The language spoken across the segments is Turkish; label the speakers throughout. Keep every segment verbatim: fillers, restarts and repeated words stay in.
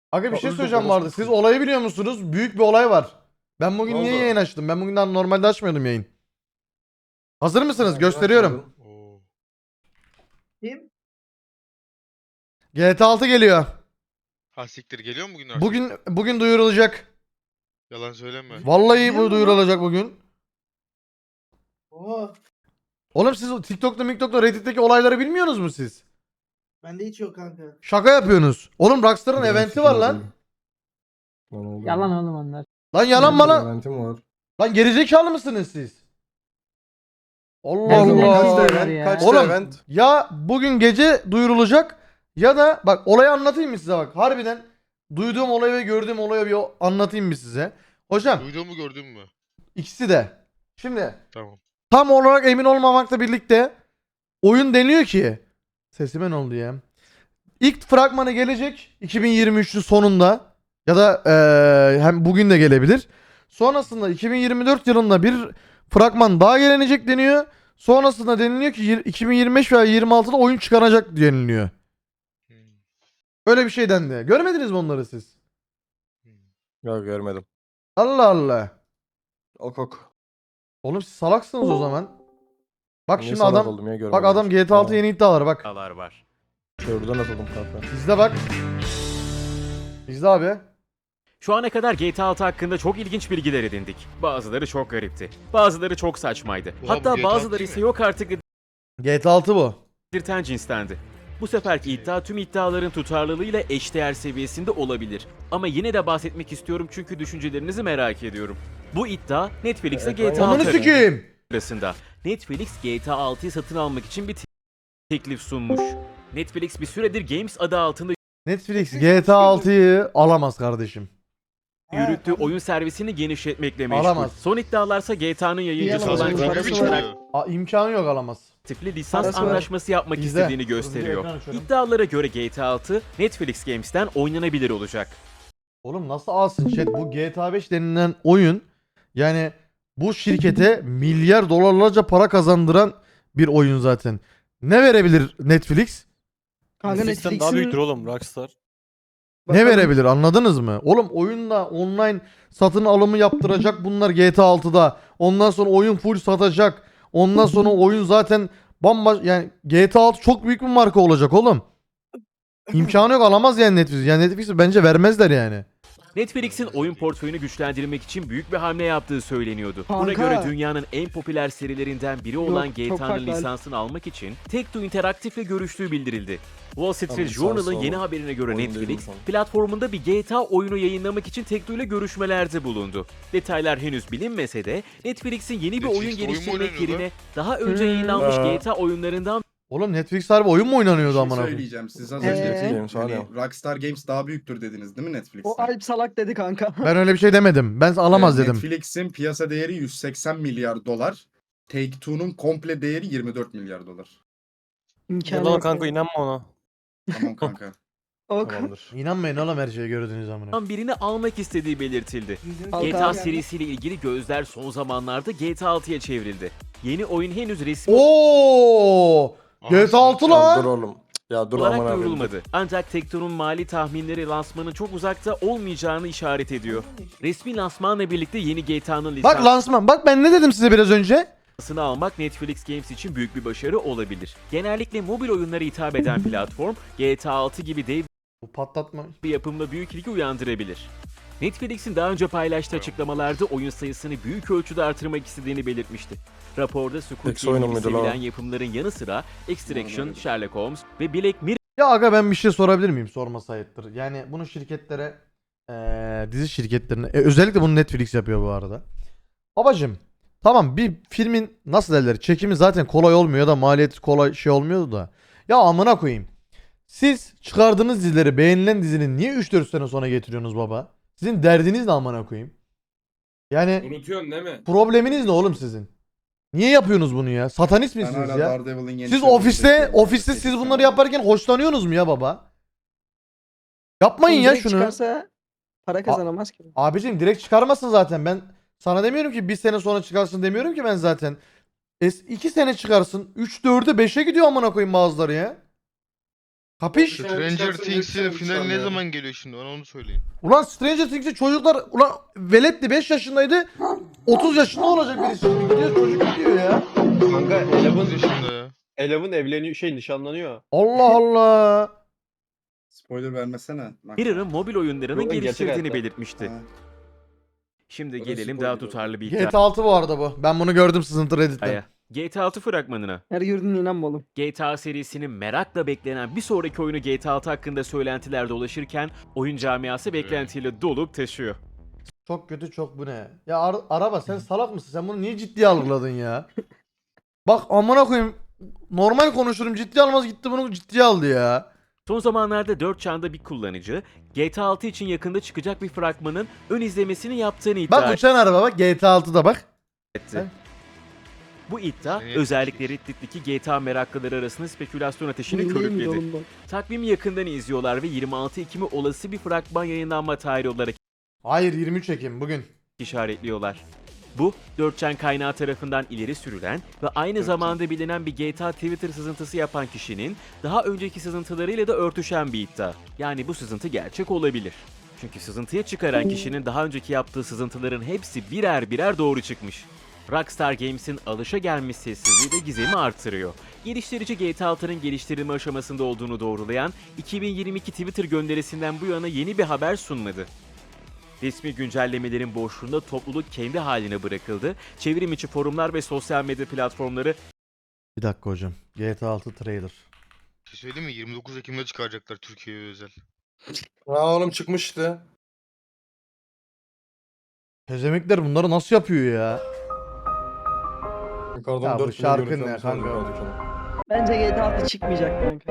Speaker 1: Aga bir şey
Speaker 2: Öldü,
Speaker 1: söyleyeceğim
Speaker 2: orospu
Speaker 1: vardı. Siz
Speaker 2: çocuğu.
Speaker 1: olayı biliyor musunuz? Büyük bir olay var. Ben bugün
Speaker 2: Ne
Speaker 1: niye
Speaker 2: oldu?
Speaker 1: yayın açtım? Ben bugünden normalde açmıyordum yayın. Hazır mısınız?
Speaker 2: Neden
Speaker 1: Gösteriyorum.
Speaker 2: açmadın?
Speaker 3: Oo.
Speaker 4: Kim?
Speaker 1: G T A altı geliyor.
Speaker 3: Ha siktir geliyor mu bugün artık?
Speaker 1: Bugün bugün duyurulacak.
Speaker 3: Yalan söyleme.
Speaker 1: Vallahi
Speaker 4: Biliyor
Speaker 1: bu
Speaker 4: musun?
Speaker 1: duyurulacak bugün.
Speaker 4: Oha.
Speaker 1: Oğlum siz o TikTok'ta, TikTok'ta, Reddit'teki olayları bilmiyorsunuz mu siz?
Speaker 4: Bende hiç yok kanka.
Speaker 1: Şaka yapıyorsunuz. Oğlum Rockstar'ın
Speaker 2: Benim
Speaker 1: eventi
Speaker 2: fikrim
Speaker 1: var
Speaker 2: o
Speaker 1: lan.
Speaker 2: değil. Lan oğlum.
Speaker 5: Yalan oğlum onlar.
Speaker 1: Lan yalan mı
Speaker 2: Benim
Speaker 1: lan?
Speaker 2: eventim var.
Speaker 1: Lan gerizekalı mısınız siz? Allah
Speaker 5: Ne bileyim,
Speaker 1: Allah.
Speaker 5: kaçta
Speaker 2: event?
Speaker 5: ya?
Speaker 2: Kaçta
Speaker 1: Oğlum
Speaker 2: event?
Speaker 1: ya bugün gece duyurulacak ya da bak olayı anlatayım mı size bak. Harbiden duyduğum olayı ve gördüğüm olayı bir anlatayım mı size? Hocam
Speaker 3: Duyduğumu gördün mü?
Speaker 1: ikisi de. Şimdi
Speaker 3: Tamam.
Speaker 1: tam olarak emin olmamakla birlikte oyun deniyor ki sesime ne oldu ya? İlk fragmanı gelecek iki bin yirmi üçün sonunda ya da eee, hem bugün de gelebilir. Sonrasında iki bin yirmi dört yılında bir fragman daha gelecek deniyor. Sonrasında deniliyor ki yir- iki bin yirmi beş veya yirmi altıda oyun çıkaracak deniliyor.
Speaker 3: Hmm.
Speaker 1: Öyle bir şey dendi. Görmediniz mi onları siz?
Speaker 2: Yok görmedim.
Speaker 1: Allah Allah.
Speaker 2: Ok ok.
Speaker 1: Oğlum siz salaksınız o zaman. Bak
Speaker 2: Niye
Speaker 1: şimdi
Speaker 2: salak
Speaker 1: adam
Speaker 2: oldum ya,
Speaker 1: bak
Speaker 2: görmedim
Speaker 1: adam
Speaker 2: hiç.
Speaker 1: G T A altı
Speaker 2: Aa,
Speaker 1: yeni iddialar bak.
Speaker 6: iddialar var.
Speaker 2: Şuradan atıldım kanka.
Speaker 1: İzle bak. İzle abi.
Speaker 6: Şu ana kadar G T A altı hakkında çok ilginç bilgiler edindik. Bazıları çok garipti. Bazıları çok saçmaydı.
Speaker 3: Oha, bu
Speaker 6: Hatta
Speaker 3: G T A
Speaker 6: bazıları
Speaker 3: değil
Speaker 6: ise
Speaker 3: mi?
Speaker 6: yok artık
Speaker 1: G T A altı bu.
Speaker 6: dedirten cinstendi. Bu seferki iddia tüm iddiaların tutarlılığıyla eşdeğer seviyesinde olabilir. Ama yine de bahsetmek istiyorum çünkü düşüncelerinizi merak ediyorum. Bu iddia Netflix'e G T A
Speaker 1: Ananı
Speaker 6: altı
Speaker 1: sikeyim.
Speaker 6: arasında. Netflix G T A altıyı satın almak için bir te- teklif sunmuş. Netflix bir süredir Games adı altında
Speaker 1: Netflix G T A altıyı alamaz kardeşim.
Speaker 6: yürüttüğü oyun servisini genişletmekle meşgul.
Speaker 1: Alamaz.
Speaker 6: Son iddialarsa G T A'nın yayıncısı
Speaker 4: Alamaz.
Speaker 6: olan
Speaker 4: Alamaz.
Speaker 3: Sanki
Speaker 4: Parası
Speaker 3: büyük
Speaker 4: var.
Speaker 3: çıkıyor.
Speaker 1: A, imkanı yok alamaz.
Speaker 6: aktifli lisans
Speaker 4: Parası var.
Speaker 6: anlaşması yapmak
Speaker 1: İzle.
Speaker 6: istediğini
Speaker 1: Hızlıca
Speaker 6: gösteriyor.
Speaker 1: ekran açıyorum.
Speaker 6: İddialara göre G T A altı Netflix Games'ten oynanabilir olacak.
Speaker 1: Oğlum nasıl alsın chat? Bu G T A beş denilen oyun yani bu şirkete milyar dolarlarca para kazandıran bir oyun zaten. Ne verebilir Netflix?
Speaker 4: Kanka
Speaker 7: Netflix'ten
Speaker 4: Netflix'in...
Speaker 7: daha büyüktür oğlum Rockstar.
Speaker 1: Ne
Speaker 4: Bakalım.
Speaker 1: verebilir anladınız mı? Oğlum oyunda online satın alımı yaptıracak bunlar G T A altıda. Ondan sonra oyun full satacak. Ondan sonra oyun zaten bambaşka yani G T A altı çok büyük bir marka olacak oğlum. İmkanı yok alamaz yani Netflix. Yani Netflix bence vermezler yani.
Speaker 6: Netflix'in oyun portföyünü güçlendirmek için büyük bir hamle yaptığı söyleniyordu. Buna
Speaker 4: Kanka.
Speaker 6: göre dünyanın en popüler serilerinden biri olan
Speaker 4: Yok,
Speaker 6: G
Speaker 4: çok
Speaker 6: T A'nın
Speaker 4: farklı.
Speaker 6: lisansını almak için Take-Two Interactive'le görüştüğü bildirildi. Wall Street
Speaker 2: Tamam, lisansı
Speaker 6: Journal'ın
Speaker 2: o.
Speaker 6: yeni haberine göre
Speaker 2: Oyun
Speaker 6: Netflix,
Speaker 2: dedim sana.
Speaker 6: platformunda bir G T A oyunu yayınlamak için Take-Two ile görüşmelerde bulundu. Detaylar henüz bilinmese de Netflix'in yeni bir oyun
Speaker 3: Netflix'te oyun mu
Speaker 6: geliştirmek
Speaker 3: oynanıyor lan?
Speaker 6: yerine daha önce
Speaker 4: Hmm.
Speaker 6: yayınlanmış
Speaker 2: Aa.
Speaker 6: G T A oyunlarından
Speaker 1: Oğlum Netflix harbi oyun mu oynanıyordu
Speaker 8: Bir şey
Speaker 1: amına koyayım?
Speaker 8: söyleyeceğim. Siz az
Speaker 4: Ee?
Speaker 8: önce
Speaker 2: Games var
Speaker 8: hani
Speaker 2: ya.
Speaker 8: Rockstar Games daha büyüktür dediniz değil mi Netflix'ten?
Speaker 4: O Alp salak dedi kanka.
Speaker 1: Ben öyle bir şey demedim. Ben alamaz
Speaker 8: Ee,
Speaker 1: dedim.
Speaker 8: Netflix'in piyasa değeri yüz seksen milyar dolar. Take-Two'nun komple değeri yirmi dört milyar dolar.
Speaker 4: İmkanı
Speaker 7: Yalan
Speaker 4: yok
Speaker 7: kanka
Speaker 4: yani.
Speaker 7: inanma ona.
Speaker 8: Tamam kanka.
Speaker 4: Ok.
Speaker 2: Tamamdır.
Speaker 1: İnanmayın oğlum her şeye gördüğünüz amına.
Speaker 6: birini almak istediği belirtildi.
Speaker 4: Al
Speaker 6: G T A
Speaker 4: kanka.
Speaker 6: serisiyle ilgili gözler son zamanlarda G T A altıya çevrildi. Yeni oyun henüz resmi
Speaker 1: Oo! G T A altı
Speaker 3: Anasını
Speaker 1: lan.
Speaker 2: Ya dur oğlum. Ya dur
Speaker 6: olarak
Speaker 2: aman abi.
Speaker 6: duyurulmadı. Ancak Take-Two'nun mali tahminleri lansmanın çok uzakta olmayacağını işaret ediyor. Resmi lansmanla birlikte yeni G T A'nın
Speaker 1: Bak lansman. Bak ben ne dedim size biraz önce?
Speaker 6: lisansını almak Netflix Games için büyük bir başarı olabilir. Genellikle mobil oyunlara hitap eden platform G T A altı gibi dev
Speaker 1: Bu patlatma.
Speaker 6: bir yapımla büyük ilgi uyandırabilir. Netflix'in daha önce paylaştığı açıklamalarda oyun sayısını büyük ölçüde artırmak istediğini belirtmişti. Raporda Squid
Speaker 2: Peki,
Speaker 6: Game
Speaker 2: oyun
Speaker 6: gibi
Speaker 2: muydu lan o?
Speaker 6: sevilen yapımların yanı sıra Extraction, Sherlock Holmes ve Black Mirror
Speaker 1: Ya aga ben bir şey sorabilir miyim? Sorması ayıptır. Yani bunu şirketlere eee, dizi şirketlerine e, özellikle bunu Netflix yapıyor bu arada. Babacım tamam bir filmin nasıl derler çekimi zaten kolay olmuyor ya da maliyeti kolay şey olmuyordu da. Ya amına koyayım. Siz çıkardığınız dizileri beğenilen dizinin niye üç dört sene sonra getiriyorsunuz baba? Sizin derdiniz ne amına koyayım? Yani
Speaker 9: Unutuyorsun değil mi?
Speaker 1: probleminiz ne oğlum sizin? Niye yapıyorsunuz bunu ya? Satanist
Speaker 8: Ben
Speaker 1: misiniz
Speaker 8: hala
Speaker 1: ya?
Speaker 8: Daredevil'in yeni
Speaker 1: Siz
Speaker 8: sezonunu
Speaker 1: ofiste
Speaker 8: bekliyorum.
Speaker 1: ofiste siz bunları yaparken hoşlanıyorsunuz mu ya baba? Yapmayın ya
Speaker 4: Direkt
Speaker 1: şunu.
Speaker 4: Çıkarsa para kazanamaz ki.
Speaker 1: Abicim direkt çıkarmasın zaten. Ben sana demiyorum ki bir sene sonra çıkarsın demiyorum ki ben zaten. Es iki sene çıkarsın. üç dörde beşe gidiyor amına koyayım bazıları ya. Kapış?
Speaker 3: Stranger
Speaker 8: Çıkarsa
Speaker 3: Things'in
Speaker 8: yetişen
Speaker 3: finali ne
Speaker 8: insan
Speaker 3: zaman geliyor şimdi? Bana onu söyleyin.
Speaker 1: Ulan Stranger Things'te çocuklar ulan veletti beş yaşındaydı. otuz yaşında olacak birisi şimdi gidiyor çocuk gidiyor ya.
Speaker 5: Kanka
Speaker 3: dokuz
Speaker 5: Eleven,
Speaker 3: yaşında ya.
Speaker 5: Eleven evleniyor şey nişanlanıyor.
Speaker 1: Allah Allah.
Speaker 8: Spoiler vermesene. Bak.
Speaker 6: Mirror'ın mobil oyunlarının
Speaker 5: Yok, gerçek
Speaker 6: geliştirdiğini
Speaker 5: hayatta.
Speaker 6: belirtmişti.
Speaker 8: Ha.
Speaker 6: Şimdi
Speaker 8: Orası
Speaker 6: gelelim
Speaker 8: spoiler
Speaker 6: daha
Speaker 8: oldu.
Speaker 6: tutarlı bir
Speaker 1: G T A altı bu arada bu. Ben bunu gördüm sızıntı Reddit'te.
Speaker 6: iddiaya. G T A altı fragmanına.
Speaker 4: Her gördüğün inanmalım.
Speaker 6: G T A serisinin merakla beklenen bir sonraki oyunu G T A altı hakkında söylentiler dolaşırken oyun camiası beklentiyle dolup taşıyor.
Speaker 1: Çok kötü çok bu ne? Ya ar- araba sen salak mısın? Sen bunu niye ciddiye algıladın ya? Bak amına koyayım. Normal konuşurum ciddiye almaz gitti bunu ciddiye aldı ya.
Speaker 6: Son zamanlarda dört çağında bir kullanıcı G T A altı için yakında çıkacak bir fragmanın ön izlemesini yaptığını iddia
Speaker 1: Bak uçan araba bak G T A altıda bak.
Speaker 6: etti. Bu iddia
Speaker 3: Seni
Speaker 6: özellikle Reddit'teki G T A meraklıları arasında spekülasyon ateşini
Speaker 4: Değil mi
Speaker 6: körükledi.
Speaker 4: oğlum bu?
Speaker 6: Takvimi yakından izliyorlar ve yirmi altı Ekim'i olası bir fragman yayınlanma tarihi olarak
Speaker 1: Hayır yirmi üç Ekim bugün.
Speaker 6: işaretliyorlar. Bu, dört çan kaynağı tarafından ileri sürülen ve aynı zamanda bilinen bir G T A Twitter sızıntısı yapan kişinin daha önceki sızıntılarıyla da örtüşen bir iddia. Yani bu sızıntı gerçek olabilir. Çünkü sızıntıya çıkaran kişinin daha önceki yaptığı sızıntıların hepsi birer birer doğru çıkmış. Rockstar Games'in alışagelmiş sessizliği de gizemi artırıyor. Geliştirici G T A altının geliştirilme aşamasında olduğunu doğrulayan iki bin yirmi iki Twitter gönderisinden bu yana yeni bir haber sunmadı. Resmi güncellemelerin boşluğunda topluluk kendi haline bırakıldı. Çevrim içi forumlar ve sosyal medya platformları
Speaker 1: Bir dakika hocam. G T A altı trailer.
Speaker 3: Bir şey söyleyeyim mi? yirmi dokuz Ekim'de çıkaracaklar Türkiye'ye özel.
Speaker 2: Ha oğlum çıkmıştı.
Speaker 1: Pezemekler bunları nasıl yapıyor ya?
Speaker 2: Yukarıdan
Speaker 1: Ya bu
Speaker 2: dört milyon
Speaker 1: şarkı
Speaker 2: görüntü
Speaker 1: ne
Speaker 2: almış
Speaker 1: kanka?
Speaker 2: yukarıdaki adam.
Speaker 4: Bence G T A altı çıkmayacak kanka.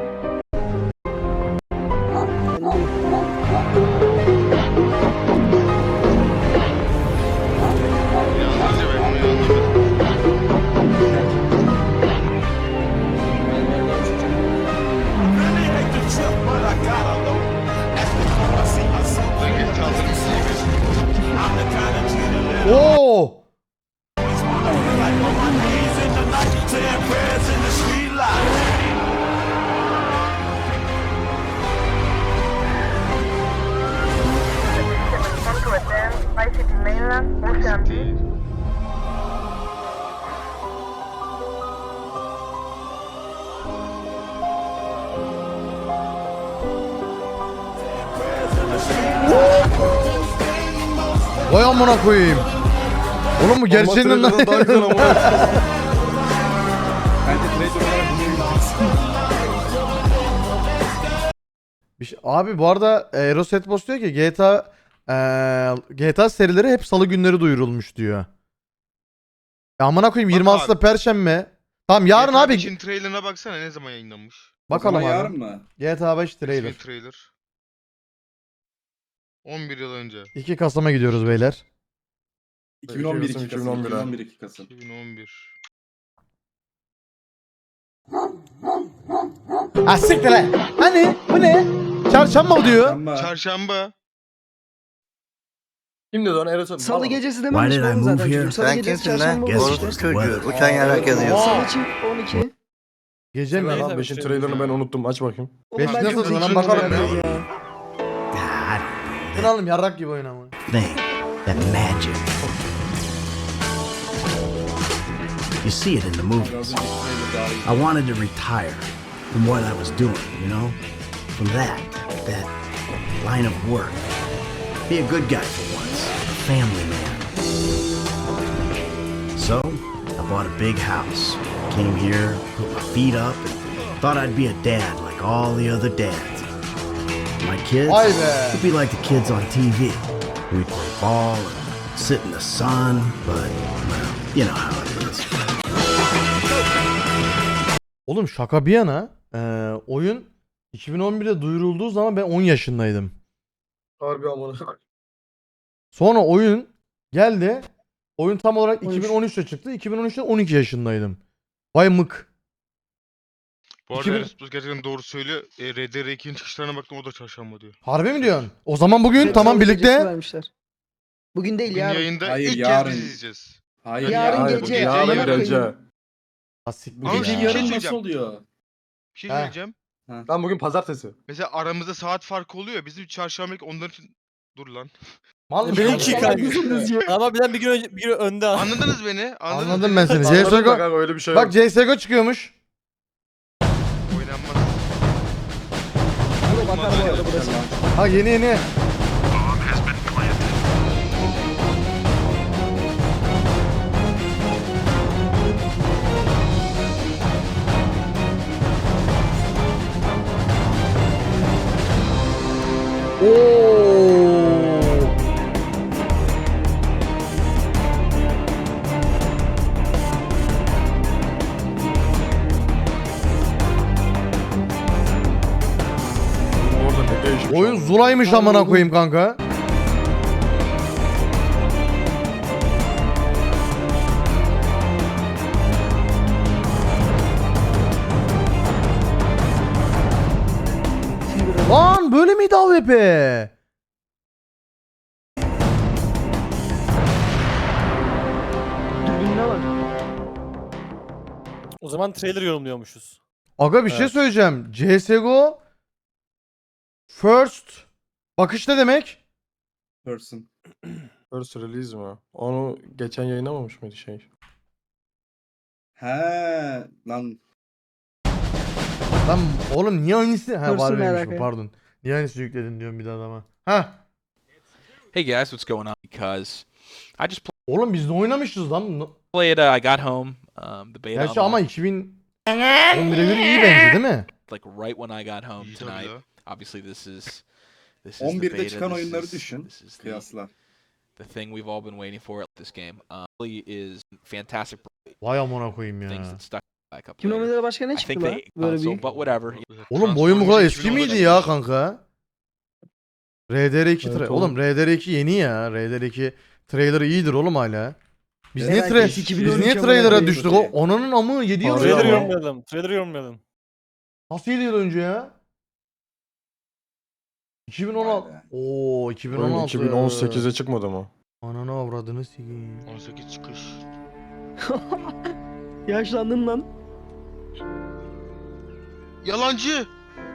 Speaker 3: Yalnızca ben bunu anlamadım. Ben geç aldım.
Speaker 1: Oo!
Speaker 7: Centro Etem, Vice City Mainland, Ocean Beach.
Speaker 3: Değil.
Speaker 1: Vay amına koyayım. Oğlum bu gerçeğinden
Speaker 2: Ama trailer'dan daha güzel ama.
Speaker 8: Bence trailer olarak dinleyebiliriz.
Speaker 1: Bir şey- Abi bu arada e, Eros Etbos diyor ki G T A e, G T A serileri hep salı günleri duyurulmuş diyor. Ya amına koyayım
Speaker 3: Bak
Speaker 1: yirmi altısında
Speaker 3: abi.
Speaker 1: Perşembe. Tamam yarın
Speaker 3: G T A
Speaker 1: abi.
Speaker 3: beşin trailerına baksana ne zaman yayınlanmış.
Speaker 1: Bakalım
Speaker 8: O zaman
Speaker 1: abi.
Speaker 8: yarın mı?
Speaker 1: G T A beş
Speaker 3: Resmi
Speaker 1: trailer.
Speaker 3: trailer. on bir yıl önce.
Speaker 1: iki Kasım'a gidiyoruz beyler.
Speaker 8: iki bin on bir
Speaker 2: Kasım,
Speaker 8: iki Kasım.
Speaker 2: iki bin on bir
Speaker 8: iki bin
Speaker 2: ha.
Speaker 8: on bir iki Kasım.
Speaker 3: iki bin on bir.
Speaker 1: Ha siktir lan. Hani bu ne? Çarşamba mı diyor?
Speaker 8: Ama
Speaker 3: Çarşamba.
Speaker 2: Kim dedi onu? Eros
Speaker 4: Salı
Speaker 2: Tamam.
Speaker 4: gecesi dememiş
Speaker 9: Why did I
Speaker 4: oğlum
Speaker 9: move
Speaker 4: zaten
Speaker 9: here?
Speaker 4: çocuk. Salı
Speaker 9: Sen
Speaker 4: gecesi
Speaker 9: kimsin lan?
Speaker 4: çarşamba
Speaker 9: Guess
Speaker 4: oldu
Speaker 9: who's
Speaker 4: işte.
Speaker 9: çocuğu? Uçan yarak yazıyor.
Speaker 4: Salı için on iki.
Speaker 1: Gece mi?
Speaker 2: Lan beşin trailerını ben unuttum. Aç bakayım.
Speaker 4: Oğlum
Speaker 1: Beş
Speaker 4: ben
Speaker 1: nasıl
Speaker 4: çok
Speaker 1: lan?
Speaker 4: zekiyim
Speaker 1: Bakalım
Speaker 4: ya.
Speaker 1: ya.
Speaker 9: Ah, I don't know
Speaker 1: Bu ne oğlum yarrak gibi oynama.
Speaker 9: that thing. That magic. You see it in the movies.
Speaker 8: biraz önceki trailer daha iyi.
Speaker 9: I wanted to retire from what I was doing, you know? From that, that line of work. Be a good guy for once. A family man. So, I bought a big house. Came here, put my feet up, and thought I'd be a dad like all the other dads. My kids
Speaker 1: Vay be.
Speaker 9: would be like the kids on T V. We'd play ball and sit in the sun, but, well, you know how it is.
Speaker 1: Oğlum şaka bir yana e, oyun iki bin on birde duyurulduğu zaman ben on yaşındaydım.
Speaker 2: Harbi amına.
Speaker 1: Sonra oyun geldi. Oyun tam olarak
Speaker 4: on üç.
Speaker 1: iki bin on üçte çıktı. iki bin on üçte on iki yaşındaydım. Vay mık.
Speaker 3: Bu arada
Speaker 1: iki bin-
Speaker 3: Enes Buz gerçekten doğru söylüyor. E, R D R iki'nin çıkışlarına baktım o da çarşamba diyor.
Speaker 1: Harbi mi diyorsun? O zaman bugün
Speaker 4: Salı
Speaker 1: tamam
Speaker 4: gecesi
Speaker 1: birlikte.
Speaker 4: vermişler. Bugün değil
Speaker 3: Bugün
Speaker 4: yarın.
Speaker 3: yayında
Speaker 8: Hayır,
Speaker 3: ilk
Speaker 8: yarın.
Speaker 3: kez biz izleyeceğiz.
Speaker 8: Hayır
Speaker 4: Yarın
Speaker 8: ya.
Speaker 4: gece,
Speaker 3: bu gece
Speaker 8: Yarın
Speaker 3: amına
Speaker 8: gece.
Speaker 4: koyayım.
Speaker 1: Asik
Speaker 8: Bu
Speaker 3: Ama
Speaker 8: gece
Speaker 3: bir şey
Speaker 8: yarın
Speaker 3: söyleyeceğim.
Speaker 8: nasıl oluyor?
Speaker 3: Bir şey
Speaker 1: He.
Speaker 3: söyleyeceğim.
Speaker 2: Lan bugün pazartesi.
Speaker 3: Mesela aramızda saat farkı oluyor. Bizim çarşamba onların için... Dur lan.
Speaker 1: Mal mısın?
Speaker 10: Benimki
Speaker 1: oğlum?
Speaker 10: kanka. Ama birden bir gün önce bir gün önde.
Speaker 3: Anladınız beni? Anladınız
Speaker 1: Anladım
Speaker 3: beni?
Speaker 1: ben seni.
Speaker 2: Anladın da
Speaker 1: C S G O.
Speaker 2: kanka öyle bir şey
Speaker 1: Bak
Speaker 2: yok.
Speaker 1: C S G O çıkıyormuş.
Speaker 3: Oynanmaz.
Speaker 4: Bakar bu arada burası.
Speaker 1: Ha yeni yeni. Oo.
Speaker 2: Orada ne değişmiş.
Speaker 1: Oyun
Speaker 2: abi.
Speaker 1: Zula'ymış amına koyayım kanka. Lan böyle miydi A W P?
Speaker 4: Dürbününe bak.
Speaker 10: O zaman trailer yorumluyormuşuz.
Speaker 1: Aga bir şey
Speaker 2: Evet.
Speaker 1: söyleyeceğim. C S G O First bakış ne demek?
Speaker 8: Person.
Speaker 2: First release mi? Onu geçen yayınlamamış mıydı şey?
Speaker 8: He lan
Speaker 1: Lan oğlum niye aynısı? Ha
Speaker 4: First'ı
Speaker 1: var
Speaker 4: merak
Speaker 1: benim şu
Speaker 4: et.
Speaker 1: pardon. Niye aynısı yükledin diyorum bir daha adama. Ha.
Speaker 11: Hey guys, what's going on? Because I just
Speaker 1: Oğlum biz de oynamışız lan. No-
Speaker 11: played. Uh, I got home. Um, the beta
Speaker 1: Gerçi ama
Speaker 11: online,
Speaker 1: iki bin on bire göre iyi bence değil mi?
Speaker 11: like right when I got home
Speaker 3: İyi tabii
Speaker 11: tonight.
Speaker 3: ya.
Speaker 11: Obviously, this is this is the
Speaker 8: on birde
Speaker 11: beta.
Speaker 8: çıkan
Speaker 11: this
Speaker 8: oyunları
Speaker 11: is-
Speaker 8: düşün.
Speaker 11: This is the,
Speaker 8: Kıyasla.
Speaker 11: the thing we've all been waiting for. This game um, really is fantastic.
Speaker 1: Vay amına koyayım ya.
Speaker 11: Things that stuck back up.
Speaker 4: iki bin on
Speaker 11: later.
Speaker 4: birde başka ne
Speaker 11: I
Speaker 4: çıktı
Speaker 11: think
Speaker 4: lan?
Speaker 11: they
Speaker 4: Böyle
Speaker 11: console,
Speaker 4: büyük.
Speaker 11: but whatever.
Speaker 1: Oğlum bu oyun bu kadar eski
Speaker 3: Transformers
Speaker 1: miydi
Speaker 3: iki bin onda
Speaker 1: ya
Speaker 3: çıkmış.
Speaker 1: kanka? R D R iki
Speaker 2: Evet
Speaker 1: tra-
Speaker 2: oğlum.
Speaker 1: oğlum R D R iki yeni ya. R D R iki trailer iyidir oğlum hala. Biz
Speaker 4: Evet,
Speaker 1: niye tra-
Speaker 4: biz iki bin
Speaker 1: biz
Speaker 4: on üç
Speaker 1: niye
Speaker 4: amına
Speaker 1: trailer'a
Speaker 4: koyayım.
Speaker 1: düştük o? Onanın amı yedi yıl
Speaker 2: Harbi
Speaker 1: önce.
Speaker 10: Trailer
Speaker 2: ama.
Speaker 1: ama.
Speaker 10: yorumlayalım. Trailer yorumlayalım.
Speaker 1: Nasıl yedi yıl önce ya? iki bin on altı.
Speaker 8: Vay be.
Speaker 1: Oo iki bin on
Speaker 2: Oyun
Speaker 1: altı.
Speaker 2: iki bin on sekize çıkmadı mı?
Speaker 1: Ananı avradını sikeyim.
Speaker 3: on sekiz çıkış.
Speaker 4: Yaşlandın lan.
Speaker 3: Yalancı.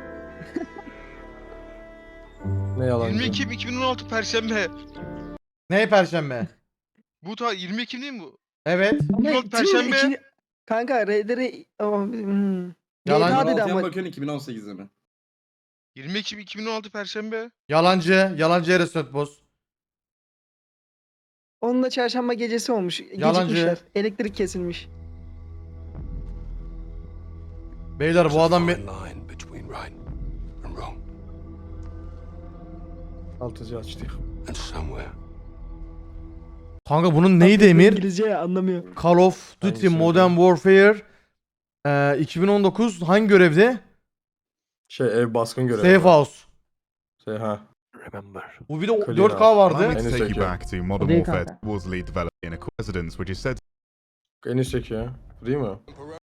Speaker 2: Ne yalan.
Speaker 3: yirmi Ekim iki bin on altı Perşembe.
Speaker 1: Ne perşembe?
Speaker 3: Bu ta yirmi Ekim değil mi bu?
Speaker 1: Evet.
Speaker 4: Ama
Speaker 3: Yok,
Speaker 4: iki-
Speaker 3: Perşembe.
Speaker 4: iki- Kanka R D R... Oh, hmm.
Speaker 1: Yalancı.
Speaker 4: G T A dedi
Speaker 8: Altıya
Speaker 4: ama.
Speaker 8: bakıyorsun iki bin on sekizde mi?
Speaker 3: yirmi Ekim iki bin on altı Perşembe.
Speaker 1: Yalancı. Yalancı Eres Nötboz.
Speaker 4: Onun da çarşamba gecesi olmuş.
Speaker 1: Yalancı.
Speaker 4: Gecikmişler. Elektrik kesilmiş.
Speaker 1: Beyler bu adam bir...
Speaker 2: Altıcı açtı.
Speaker 1: Kanka bunun neydi Emir?
Speaker 4: İngilizce ya anlamıyor.
Speaker 1: Call of Duty
Speaker 2: Hangisi
Speaker 1: Modern Warfare e, iki bin on dokuz hangi görevde?
Speaker 2: Şey ev baskın görevi.
Speaker 1: Safe House.
Speaker 2: Şey ha.
Speaker 1: Bu bir de
Speaker 2: Clear
Speaker 1: dört K
Speaker 2: House.
Speaker 1: vardı.
Speaker 2: En üstteki.
Speaker 12: to Modern
Speaker 4: Değil
Speaker 12: Warfare
Speaker 4: kanka.
Speaker 12: Wolseley developed in a residence, which is said
Speaker 2: En üstteki ya. Değil mi?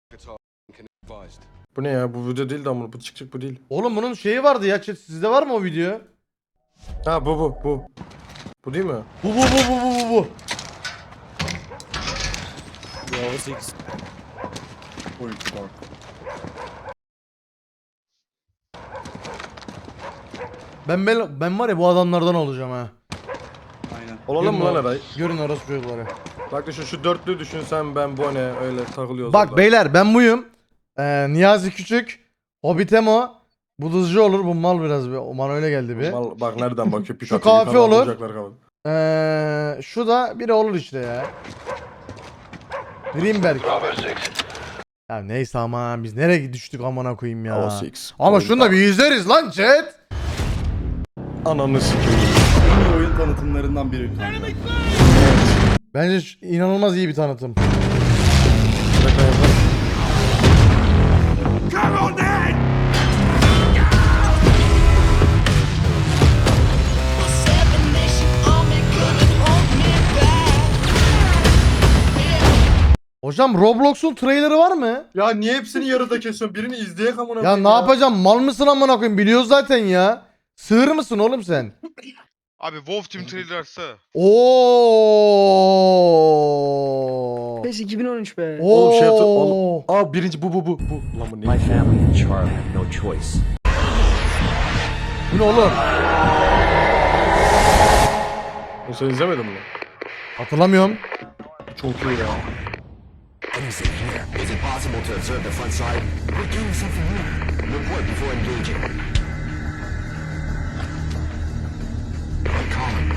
Speaker 2: Bu ne ya? Bu video değil de ama bu çıkacak bu değil.
Speaker 1: Oğlum bunun şeyi vardı ya chat, sizde var mı o video?
Speaker 2: Ha bu bu bu. Bu değil mi?
Speaker 1: Bu bu bu bu bu bu bu.
Speaker 10: Bravo sekiz.
Speaker 8: Oyuncu bak.
Speaker 1: Ben, ben ben var ya bu adamlardan olacağım ha.
Speaker 8: Aynen.
Speaker 2: Olalım mı
Speaker 1: Görün
Speaker 2: lan
Speaker 1: o-
Speaker 2: Eray?
Speaker 1: Görün orası çocukları.
Speaker 2: Bak düşün şu dörtlü düşünsen ben bu ne öyle takılıyoruz.
Speaker 1: Bak
Speaker 2: orada.
Speaker 1: beyler ben buyum. Ee, Niyazi Küçük. Hobbitemo. Bu dızcı olur. Bu mal biraz bir. O bana öyle geldi bir.
Speaker 2: Mal- bak nereden bakıyor? Pik
Speaker 1: Şu
Speaker 2: atıyor,
Speaker 1: kafi
Speaker 2: falan
Speaker 1: olur.
Speaker 2: bulacaklar kafa.
Speaker 1: Ee, şu da biri olur işte ya. Greenberg. Ya neyse ama biz nereye düştük amına koyayım ya.
Speaker 2: Hava six.
Speaker 1: Ama şunu da bir izleriz lan chat.
Speaker 2: Ananı sikeyim.
Speaker 8: En iyi oyun tanıtımlarından biri kanka.
Speaker 1: Bence ş- inanılmaz iyi bir tanıtım.
Speaker 2: Şaka yapar.
Speaker 1: Hocam Roblox'un trailerı var mı?
Speaker 2: Ya niye hepsini yarıda kesiyorsun? Birini izleyek amına
Speaker 1: Ya
Speaker 2: koyayım
Speaker 1: ne yapacağım? Mal mısın amına koyayım? Biliyoruz zaten ya. Sığır mısın oğlum sen?
Speaker 3: Abi Wolf Team trailer açsa.
Speaker 1: Oo.
Speaker 4: PES iki bin on üç be.
Speaker 2: Oğlum şey yaptı.
Speaker 1: Oo.
Speaker 2: Oğlum. Aa birinci bu bu bu. Bu. Lan bu
Speaker 9: My
Speaker 2: ne?
Speaker 9: family and Charlie have no choice.
Speaker 1: Bu ne oğlum?
Speaker 2: Bunu sen izlemedin mi?
Speaker 1: Hatırlamıyorum.
Speaker 2: Çok iyi ya.
Speaker 9: Anything here? Is it possible to observe the front side? We're doing something new. Report before engaging. Colin.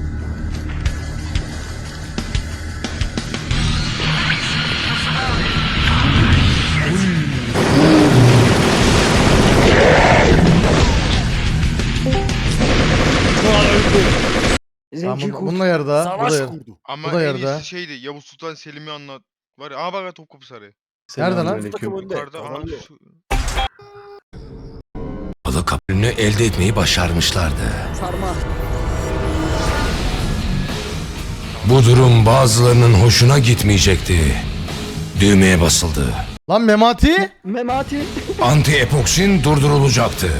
Speaker 1: Tamam,
Speaker 4: Zeki
Speaker 1: bu-
Speaker 4: Kurt.
Speaker 1: bununla yarıda. Bu da yarıda.
Speaker 3: Ama
Speaker 1: Bu da
Speaker 3: en
Speaker 1: yarıda.
Speaker 3: iyisi şeydi. Yavuz Sultan Selim'i anlat. Var ya. Aa bak Topkapı Sarayı.
Speaker 1: Nerede lan?
Speaker 2: Selamünaleyküm.
Speaker 3: Yukarıda aha şu.
Speaker 9: Balık kabulünü elde etmeyi başarmışlardı.
Speaker 4: Sarma.
Speaker 9: Bu durum bazılarının hoşuna gitmeyecekti. Düğmeye basıldı.
Speaker 1: Lan Memati?
Speaker 4: Memati.
Speaker 9: Anti-epoksin durdurulacaktı.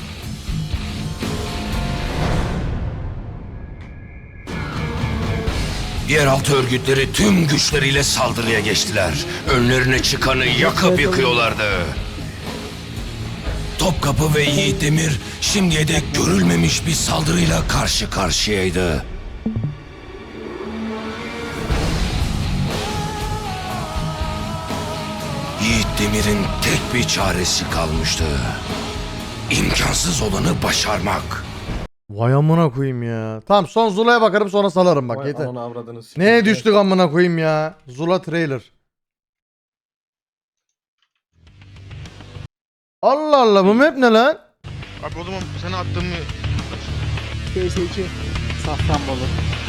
Speaker 9: Yeraltı örgütleri tüm güçleriyle saldırıya geçtiler. Önlerine çıkanı yakıp yıkıyorlardı. Topkapı ve Yiğit Demir şimdiye dek görülmemiş bir saldırıyla karşı karşıyaydı. Yiğit Demir'in tek bir çaresi kalmıştı. İmkansız olanı başarmak.
Speaker 1: Vay amına koyayım ya. Tamam son Zula'ya bakarım sonra salarım bak
Speaker 2: Vay
Speaker 1: yeter.
Speaker 2: ananı avradını sikeyim.
Speaker 1: Neye düştük amına koyayım ya? Zula trailer. Allah Allah bu map ne lan?
Speaker 3: Abi o zaman sana attığımı
Speaker 4: P S iki. Safranbolu.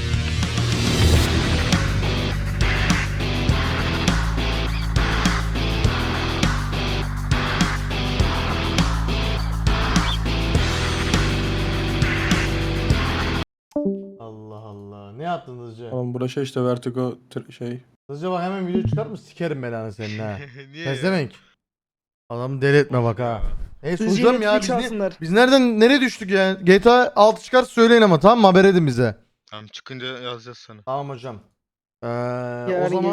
Speaker 1: Allah Allah. Ne yaptın hızlıca?
Speaker 2: Oğlum burada şey işte Vertigo tr- şey.
Speaker 1: Hızlıca bak hemen video çıkar mı? Sikerim belanı senin ha.
Speaker 3: Niye? ya?
Speaker 1: Pezevenk. Adamı deli etme bak ha. E
Speaker 4: Sizce
Speaker 1: soracağım ya
Speaker 4: Netflix
Speaker 1: biz, ne-
Speaker 4: alsınlar.
Speaker 1: biz nereden nereye düştük ya? G T A altı çıkar söyleyin ama tamam mı? Haber edin bize.
Speaker 3: Tamam çıkınca yazacağız sana.
Speaker 1: Tamam hocam. Ee, o
Speaker 4: Yarın
Speaker 1: zaman